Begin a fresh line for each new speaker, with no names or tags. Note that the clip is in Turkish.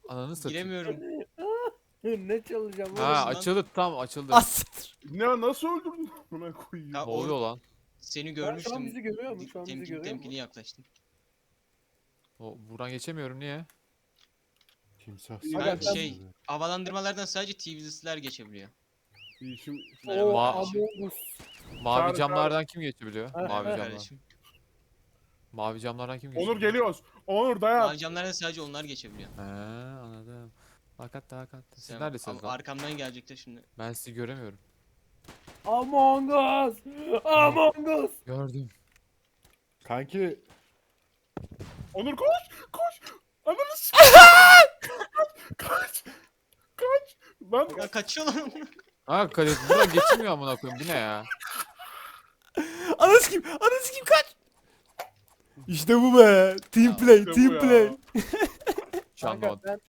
Ananı satayım.
Giremiyorum.
Ne çalacağım
Ha
oğlum?
lan.
açıldı tam açıldı.
As.
Ne nasıl öldürdün buna koyayım?
Ya
Ne oluyor
o
lan?
seni
Şu an
görmüştüm.
bizi görüyor mu? Şu an bizi görüyor
Temkini
mu?
yaklaştım.
Buradan geçemiyorum niye?
Timsah.
Aga, sen-
şey havalandırmalardan sadece TV'liler geçebiliyor.
Şimdi
Merhaba
Ma-
kardeşim.
Among Us.
Mavi
Çağır,
camlardan kim geçebiliyor?
Ha,
Mavi
ha.
camlar.
Kardeşim.
Mavi camlardan kim geçebiliyor?
Onur geliyoruz. Onur dayan.
Mavi camlardan sadece onlar geçebiliyor.
He anladım. Hakikat hakikat. Siz
Sen-
neredesiniz lan?
Arkamdan gelecekler şimdi.
Ben sizi göremiyorum.
Among Us. Among Us.
Gördüm.
Kanki. Onur koş. Koş. Ananı s- Kaç. Kaç. Lan
Ya kaçıyor lan.
Ha kale buradan geçilmiyor amına koyayım. Bu ne ya?
Anası kim? Anası kim kaç? İşte bu be. Team play,
işte bu
team
ya.
play.
Şu anda
Kanka ben